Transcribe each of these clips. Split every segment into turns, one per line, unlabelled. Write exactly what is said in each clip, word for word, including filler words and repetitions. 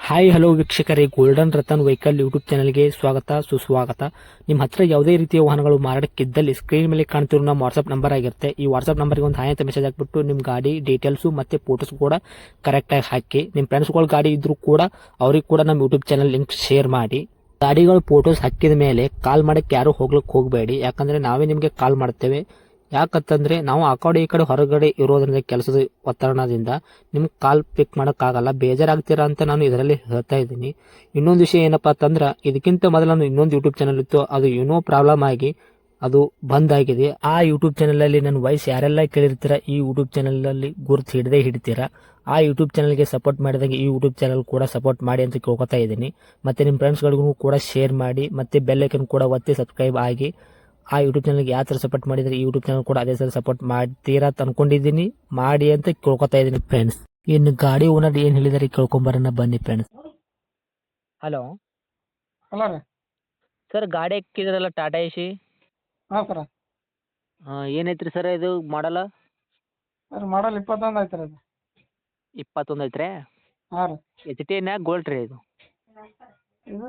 Hi hello ವೀಕ್ಷಕರೇ, golden Ratan vehicle YouTube ಚಾನಲ್ಗೆ ಸ್ವಾಗತ ಸುಸ್ವಾಗತ. ನಿಮ್ಮ ಹತ್ರ ಯಾವುದೇ ರೀತಿಯ ವಾಹನಗಳು ಮಾರಾಟಕ್ಕಿದ್ದಲ್ಲಿ ಸ್ಕ್ರೀನ್ ಮೇಲೆ ಕಾಣ್ತಿರೋ ನಮ್ಮ ವಾಟ್ಸ್ಆಪ್ ನಂಬರ್ ಆಗಿರುತ್ತೆ. ಈ ವಾಟ್ಸ್ಆಪ್ ನಂಬರ್ಗೆ ಒಂದು ಹಾಯ್ ಅಂತ ಮೆಸೇಜ್ ಹಾಕ್ಬಿಟ್ಟು ನಿಮ್ಮ ಗಾಡಿ ಡೀಟೇಲ್ಸು ಮತ್ತೆ ಫೋಟೋಸ್ ಕೂಡ ಕರೆಕ್ಟಾಗಿ ಹಾಕಿ. ನಿಮ್ಮ ಫ್ರೆಂಡ್ಸ್ಗಳ ಗಾಡಿ ಇದ್ರೂ ಕೂಡ ಅವ್ರಿಗೆ ಕೂಡ ನಮ್ಮ ಯೂಟ್ಯೂಬ್ ಚಾನಲ್ ಲಿಂಕ್ ಶೇರ್ ಮಾಡಿ. ಗಾಡಿಗಳು ಫೋಟೋಸ್ ಹಾಕಿದ ಮೇಲೆ ಕಾಲ್ ಮಾಡಕ್ಕೆ ಯಾರು ಹೋಗ್ಲಿಕ್ಕೆ ಹೋಗಬೇಡಿ, ಯಾಕಂದ್ರೆ ನಾವೇ ನಿಮಗೆ ಕಾಲ್ ಮಾಡ್ತೇವೆ. ಯಾಕಂತಂದ್ರೆ ನಾವು ಆ ಕಡೆ ಈ ಕಡೆ ಹೊರಗಡೆ ಇರೋದ್ರಿಂದ ಕೆಲಸದ ಒತ್ತಡದಿಂದ ನಿಮ್ಗೆ ಕಾಲ್ ಪಿಕ್ ಮಾಡೋಕ್ಕಾಗಲ್ಲ, ಬೇಜಾರಾಗ್ತೀರಾ ಅಂತ ನಾನು ಇದರಲ್ಲಿ ಹೇಳ್ತಾ ಇದ್ದೀನಿ. ಇನ್ನೊಂದು ವಿಷಯ ಏನಪ್ಪಾ ಅಂತಂದ್ರೆ, ಇದಕ್ಕಿಂತ ಮೊದಲು ನಾನು ಇನ್ನೊಂದು ಯೂಟ್ಯೂಬ್ ಚಾನಲ್ ಇತ್ತು, ಅದು ಏನೋ ಪ್ರಾಬ್ಲಮ್ ಆಗಿ ಅದು ಬಂದ್ ಆಗಿದೆ. ಆ ಯೂಟ್ಯೂಬ್ ಚಾನಲ್ ಅಲ್ಲಿ ನನ್ನ ವಾಯ್ಸ್ ಯಾರೆಲ್ಲ ಕೇಳಿರ್ತೀರಾ, ಈ ಯೂಟ್ಯೂಬ್ ಚಾನಲ್ ಅಲ್ಲಿ ಗುರುತು ಹಿಡದೆ ಹಿಡಿತೀರಾ. ಆ ಯೂಟ್ಯೂಬ್ ಚಾನಲ್ಗೆ ಸಪೋರ್ಟ್ ಮಾಡಿದಾಗ ಈ ಯೂಟ್ಯೂಬ್ ಚಾನಲ್ ಕೂಡ ಸಪೋರ್ಟ್ ಮಾಡಿ ಅಂತ ಕೇಳ್ಕೊತಾ ಇದ್ದೀನಿ. ಮತ್ತೆ ನಿಮ್ಮ ಫ್ರೆಂಡ್ಸ್ಗಳಿಗೂ ಕೂಡ ಶೇರ್ ಮಾಡಿ, ಮತ್ತೆ ಬೆಲ್ ಐಕನ್ ಕೂಡ ಒತ್ತಿ ಸಬ್ಸ್ಕ್ರೈಬ್ ಆಗಿ. ಆ ಯೂಟ್ಯೂಬ್ ಚಾನಲ್ಗೆ ಯಾವ ಥರ ಸಪೋರ್ಟ್ ಮಾಡಿದರೆ ಈ ಯೂಟ್ಯೂಬ್ ಚಾನಲ್ ಕೂಡ ಅದೇ ಥರ ಸಪೋರ್ಟ್ ಮಾಡ್ತೀರಾ ಅಂತ ಅನ್ಕೊಂಡಿದ್ದೀನಿ. ಮಾಡಿ ಅಂತ ಕೇಳ್ಕೊತಾ ಇದ್ದೀನಿ ಫ್ರೆಂಡ್ಸ್. ಇನ್ನು ಗಾಡಿ ಓನರ್ ಏನು ಹೇಳಿದಾರೆ ಕೇಳ್ಕೊಂಬರೋಣ ಬನ್ನಿ ಫ್ರೆಂಡ್ಸ್. ಹಲೋ
ಹಲೋ ರೀ.
ಸರ್, ಗಾಡಿ ಹಾಕಿದ್ರಲ್ಲ ಟಾಟಾ ಎಸಿ,
ಹಾಂ ಸರ.
ಏನೈತ್ರಿ ಸರ್ ಇದು ಮಾಡಲ್ಲ?
ಸರ್ ಮಾಡಲ್ ಇಪ್ಪತ್ತೊಂದು ಐತೆ ರೀ ಅದು.
ಇಪ್ಪತ್ತೊಂದು ಐತ್ರಿ?
ಹಾಂ ರೀ.
ಎಚ್ ಟಿ ಎನ್ ಗೋಲ್ಡ್ ರೀ ಇದು?
ಇದು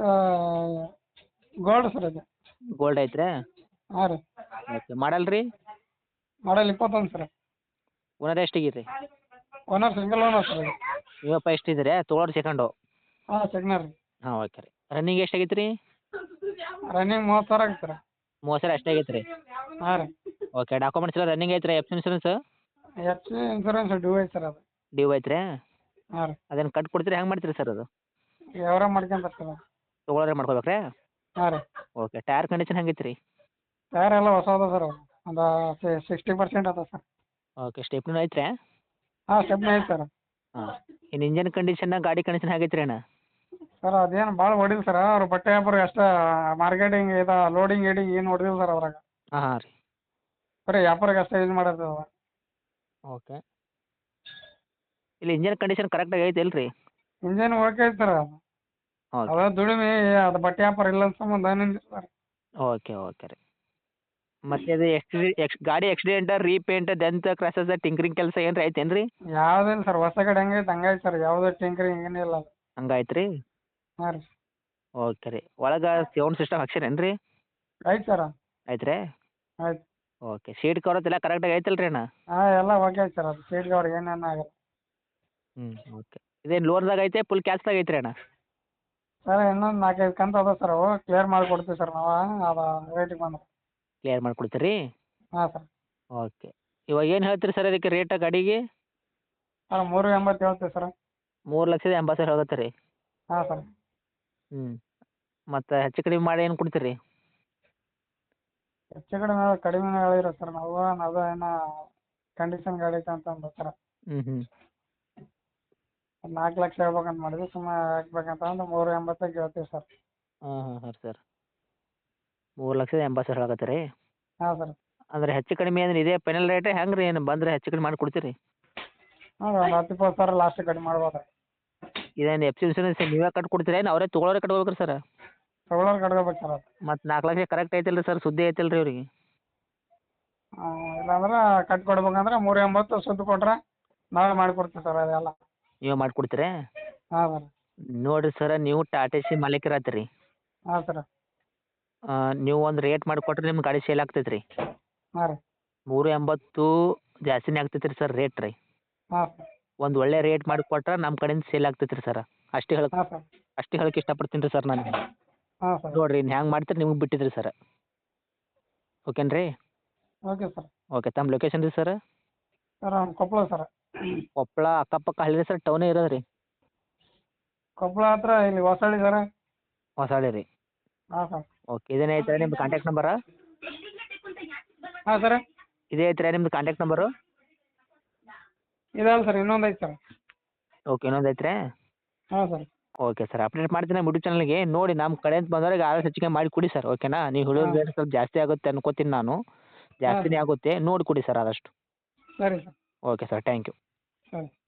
ಗೋಲ್ಡ್ ಸರ್ ಇದು.
ಗೋಲ್ಡ್ ಐತ್ರಿ?
ಹಾಂ ರೀ.
ಓಕೆ. ಮಾಡಲ್ ರೀ?
ಮಾಡಲ್ ಇಪ್ಪತ್ತೊಂದು ಸರ್.
ಓನರ್ ಎಷ್ಟಿಗಿರಿ?
ಓನರ್ ಸಿಂಗಲ್ ಓನರ್ ಸರ್ ಇದು.
ಇವಪ್ಪ ಎಷ್ಟಿದ್ರಿ ತೊಗೊಳೋರು ಸೆಕೆಂಡು?
ಹಾಂ ಸೆಕೆಂಡ್ ರೀ.
ಹಾಂ ಓಕೆ ರೀ. ರನ್ನಿಂಗ್ ಎಷ್ಟಾಗೈತೆ ರೀ?
ರನ್ನಿಂಗ್ ಮೂವತ್ತು ಸಾವಿರ ಆಗೈತೆ ಸರ್.
ಮೂವತ್ತು ಸಾವಿರ ಅಷ್ಟೇ ಆಗೈತೆ ರೀ?
ಹಾಂ ರೀ.
ಓಕೆ. ಡಾಕ್ಯುಮೆಂಟ್ಸ್ ಎಲ್ಲ ರನ್ನಿಂಗ್ ಐತ್ರಿ? F insurance?
F C insurance due ಐತೆ ಸರ್ ಅದು.
ಡ್ಯೂ ಐತ್ರಿ?
ಹಾಂ ರೀ.
ಅದನ್ನು ಕಟ್ ಕೊಡ್ತೀರಿ, ಹೆಂಗೆ ಮಾಡ್ತೀರಿ ಸರ್ ಅದು?
ಯಾವ್ರ ಮಾಡ್ಕೊಂತಾರೆ ಸರ್.
ತೊಗೊಳೋರೆ ಮಾಡ್ಕೋಬೇಕ್ರಿ?
ಹಾಂ ರೀ.
ಓಕೆ. ಟೈರ್ ಕಂಡೀಷನ್ ಹೆಂಗೈತೆ ರೀ?
ಟೈರ್ ಎಲ್ಲ ಹೊಸ ಅದ ಸರ್, ಒಂದು ಸಿಕ್ಸ್ಟಿ ಪರ್ಸೆಂಟ್ ಅದ ಸರ್.
ಓಕೆ. ಸ್ಟೆಪ್ನೂ ಐತ್ರಿ?
ಹಾಂ ಸ್ಟೆಪ್ನಿ ಐತೆ ಸರ್.
ಹಾಂ. ಇನ್ನು ಇಂಜನ್ ಕಂಡೀಷನ್, ಗಾಡಿ ಕಂಡೀಷನ್ ಹೇಗೈತೆ ರೀ ಅಣ್ಣ?
ಸರ್ ಅದೇನು ಭಾಳ ಹೊಡಿಲ್ಲ ಸರ್, ಅವ್ರು ಬಟ್ಟೆ ವ್ಯಾಪಾರ ಅಷ್ಟೇ, ಮಾರ್ಕೆಟಿಂಗ್ ಇದು ಲೋಡಿಂಗ್ ಗೀಡಿಂಗ್ ಏನು ಹೊಡೆದಿಲ್ಲ ಸರ್ ಅದ್ರಾಗ.
ಹಾಂ ಹಾಂ ರೀ.
ಬರೀ ವ್ಯಾಪಾರಕ್ಕೆ ಅಷ್ಟೇ ಯೂಸ್ ಮಾಡೋದು.
ಓಕೆ. ಇಲ್ಲಿ ಇಂಜನ್ ಕಂಡೀಷನ್ ಕರೆಕ್ಟಾಗಿ ಐತೆ ಇಲ್ರಿ?
ಇಂಜನ್ ಓಕೆ ಐತೆ ಸರ್.
ಓಕೆ
ಅದ ದುಡಿಮೆ ಅದು ಬಟ್ಟೆ ವ್ಯಾಪಾರ ಇಲ್ಲ ಅಂತ ಸಂಬಂಧ ಏನಿಲ್ಲ ಸರ್.
ಓಕೆ ಓಕೆ ರೀ. ಮತ್ತೆ ಅದು ಎಕ್ಸ್ಟ್ರಿ ಎಕ್ಸ್ ಗಾಡಿ accident, repaint, dent, crosses, tinkering ಕೆಲಸ ಏನ್ರಿ ಐತೇನು ರೀ?
ಯಾವುದಿಲ್ಲ ಸರ್, ಹೊಸ ಗಾಡಿ ಹೆಂಗೈತೆ ಹಂಗೈತೆ ಸರ್, ಯಾವುದೇ ಟಿಂಕರಿಂಗ್ ಏನಿಲ್ಲ ಅದು.
ಹಂಗಾಯ್ತು ರೀ?
ಹಾಂ ರೀ.
ಓಕೆ ರೀ. ಒಳಗೆ ಸೌಂಡ್ ಸಿಸ್ಟಮ್ ಹಾಕ್ಸಿರೇನು ರೀ?
ಐತೆ ಸರ್.
ಐತೆ ರೀ?
ಆಯ್ತು.
ಓಕೆ. ಸೀಟ್ ಕವರ್ ಎಲ್ಲ ಕರೆಕ್ಟಾಗಿ ಐತಲ್ಲ ರೀ ಅಣ್ಣ?
ಹಾಂ ಎಲ್ಲ ಓಕೆ ಐತೆ ಸರ್, ಅದು ಸೀಟ್ಗೆ ಅವ್ರಿಗೆ ಏನೇನು ಆಗಲ್ಲ.
ಹ್ಞೂ ಓಕೆ. ಇದೇನು ಲೋನ್ದಾಗ ಐತೆ ಫುಲ್ ಕ್ಯಾಶ್ದಾಗ ಐತೆ ರೀ ಅಣ್ಣ?
ಸರ್ ಇನ್ನೊಂದು ನಾಲ್ಕೈದು ಕಂತು ಅದ ಸರ್, ಅವು ಕ್ಲಿಯರ್ ಮಾಡಿಕೊಡ್ತೀವಿ ಸರ್ ನಾವು, ಅದು ರೇಟಿಗೆ ಬಂದ್ರೆ.
ಕ್ಲಿಯರ್ ಮಾಡಿಕೊಡ್ತೀರಿ?
ಹಾಂ ಸರ್.
ಓಕೆ. ಇವಾಗ ಏನು ಹೇಳ್ತೀರಿ ಸರ್ ಅದಕ್ಕೆ ರೇಟ ಗಾಡಿಗೆ?
ಸರ್ ಮೂರು ಎಂಬತ್ತು ಹೇಳ್ತೀವಿ ಸರ್.
ಮೂರು ಲಕ್ಷದ ಎಂಬತ್ತು ಸಾವಿರ ಹೋಗುತ್ತೆ ರೀ?
ಹಾಂ ಸರ್.
ಹ್ಞೂ. ಮತ್ತು ಹೆಚ್ಚು ಕಡಿಮೆ ಮಾಡಿ ಏನು ಕೊಡ್ತೀರಿ?
ಹೆಚ್ಚು ಕಡಿಮೆ ಕಡಿಮೆ ಹೇಳಿರೋ ಸರ್ ನಾವು, ಅದು ಏನೋ ಕಂಡೀಷನ್ ಗಾಡಿ ಐತೆ ಅಂತ ಅಂದ ಸರ್.
ಹ್ಞೂ ಹ್ಞೂ.
ನಾಲ್ಕು ಲಕ್ಷ ಹೇಳ್ಬೇಕಂತ ಮಾಡಿದ್ವಿ, ಸುಮ್ಮನೆ ಹಾಕ್ಬೇಕಂತ ಅಂದ್ರೆ ಮೂರು ಎಂಬತ್ತಕ್ಕೆ ಹೇಳ್ತೀವಿ ಸರ್.
ಹಾಂ ಹಾಂ ಹಾಂ ಸರ್. ಮೂರು ಲಕ್ಷದ ಎಂಬತ್ತು ಸಾವಿರ ಆಗತ್ತೆ ರೀ?
ಹಾಂ ಸರ್.
ಅಂದ್ರೆ ಹೆಚ್ಚು ಕಡಿಮೆ ಅಂದ್ರೆ ಇದೇ ಫೈನಲ್ ರೇಟ್ ಹೆಂಗೆ ರೀ? ಏನು ಬಂದರೆ ಹೆಚ್ಚು ಕಡಿಮೆ ಮಾಡಿ ಕೊಡ್ತೀರಿ?
ಹಾಂ ಒಂದು ಹತ್ತು ಇಪ್ಪತ್ತು ಸಾವಿರ ಲಾಸ್ಟ್ ಕಡಿಮೆ ಮಾಡ್ಬೋದು ರೀ.
ಇದೇನು ಎಫ್ ಸಿ ಇನ್ಸೂರೆನ್ಸ್ ನೀವೇ ಕಟ್ಟಿ ಕೊಡ್ತೀರಾ, ಏನು ಅವರೇ ತೊಗೊಳೋರೇ ಕಟ್ಕೋಬೇಕು ರೀ ಸರ್?
ತಗೊಳ್ಳೋರು ಕಟ್ಕೋಬೇಕು ಸರ್ ಅದು.
ಮತ್ತು ನಾಲ್ಕು ಲಕ್ಷ ಕರೆಕ್ಟ್ ಐತಲ್ಲ ರೀ ಸರ್, ಸುದ್ದಿ ಐತಲ್ಲ ರೀ ಅವ್ರಿಗೆ?
ಇಲ್ಲಾಂದ್ರೆ ಕಟ್ಟಿ ಕೊಡ್ಬೇಕಂದ್ರೆ ಮೂರು ಎಂಬತ್ತು ಸುದ್ದು ಕೊಟ್ರೆ ನಾವೇ ಮಾಡಿಕೊಡ್ತೀವಿ ಸರ್ ಅದೆಲ್ಲ.
ನೀವೇ ಮಾಡಿಕೊಡ್ತೀರಾ?
ಹಾಂ ಸರ್.
ನೋಡಿರಿ ಸರ, ನೀವು ಟಾಟಾ ಎಸಿ ಮಾಲೀಕರಾತ್ರಿ.
ಹಾಂ ಸರ್.
ನೀವು ಒಂದು ರೇಟ್ ಮಾಡಿಕೊಟ್ರೆ ನಿಮ್ಮ ಗಾಡಿ ಸೇಲ್ ಆಗ್ತೈತೆ ರೀ.
ಹಾಂ ರೀ.
ಮೂರು ಎಂಬತ್ತು ಜಾಸ್ತಿನೇ ಆಗ್ತೈತೆ ರೀ ಸರ್ ರೇಟ್ ರೀ.
ಹಾಂ ಸರ್.
ಒಂದು ಒಳ್ಳೆ ರೇಟ್ ಮಾಡಿಕೊಟ್ರೆ ನಮ್ಮ ಕಡೆಯಿಂದ ಸೇಲ್ ಆಗ್ತೈತೆ ರೀ ಸರ್. ಅಷ್ಟೇ ಹೇಳಕ್
ಹಾಂ ಸರ್.
ಅಷ್ಟೇ ಹೇಳಕ್ಕೆ ಇಷ್ಟಪಡ್ತೀನಿ ರೀ ಸರ್ ನಾನು.
ಹಾಂ ಸರ್.
ನೋಡಿರಿ ಇನ್ನು ಹ್ಯಾಂಗೆ ಮಾಡ್ತೀರಿ ನಿಮ್ಗೆ ಬಿಟ್ಟಿದ್ರಿ ಸರ್. ಓಕೆನ್ ರೀ?
Okay sir.
ಓಕೆ. ತಮ್ಮ ಲೊಕೇಶನ್ ರೀ ಸರ್?
ಸರ್ ನಮ್ಮ ಕೊಪ್ಪಳ ಸರ್.
ಕೊಪ್ಪಳ ಅಕ್ಕಪಕ್ಕ ಹಳ್ಳಿ ಸರ್, ಟೌನೇ ಇರೋದು ರೀ?
ಕೊಪ್ಪಳ ಹತ್ರ ಇಲ್ಲಿ ಹೊಸಳ್ಳಿ ಸರ್.
ಹೊಸಳ್ಳಿ ರೀ?
ಹಾಂ ಸರ್.
ಓಕೆ. ಇದೇನೇ ಐತೆ ನಿಮ್ದು ಕಾಂಟ್ಯಾಕ್ಟ್ ನಂಬರಾ?
ಹಾಂ ಸರ್.
ಇದೇ ಐತೆ ನಿಮ್ದು ಕಾಂಟ್ಯಾಕ್ಟ್ ನಂಬರು?
ಇದಲ್ಲ ಸರ್, ಇನ್ನೊಂದು ಐತೆ ಸರ್.
ಓಕೆ. ಇನ್ನೊಂದು ಐತ್ರಿ?
ಹಾಂ ಸರ್.
Okay sir. ಅಪ್ಡೇಟ್ ಮಾಡ್ತೀನಿ ನಮ್ಮ ಯೂಟ್ಯೂಬ್ ಚಾನಲ್ಗೆ. ನೋಡಿ ನಮ್ಮ ಕಡೆಯಿಂದ ಬಂದವ್ರಿಗೆ ಆದಷ್ಟು ಹೆಚ್ಚಿಗೆ ಮಾಡಿ ಕೊಡಿ ಸರ್, ಓಕೆನಾ? ನೀವು ಹೇಳೋ ರೇಟ್ ಸ್ವಲ್ಪ ಜಾಸ್ತಿ ಆಗುತ್ತೆ ಅನ್ಕೋತೀನಿ ನಾನು, ಜಾಸ್ತಿನೇ ಆಗುತ್ತೆ, ನೋಡಿ ಕೊಡಿ ಸರ್ ಆದಷ್ಟು.
ಸರಿ sir.
Okay sir, thank you.
ಸರಿ.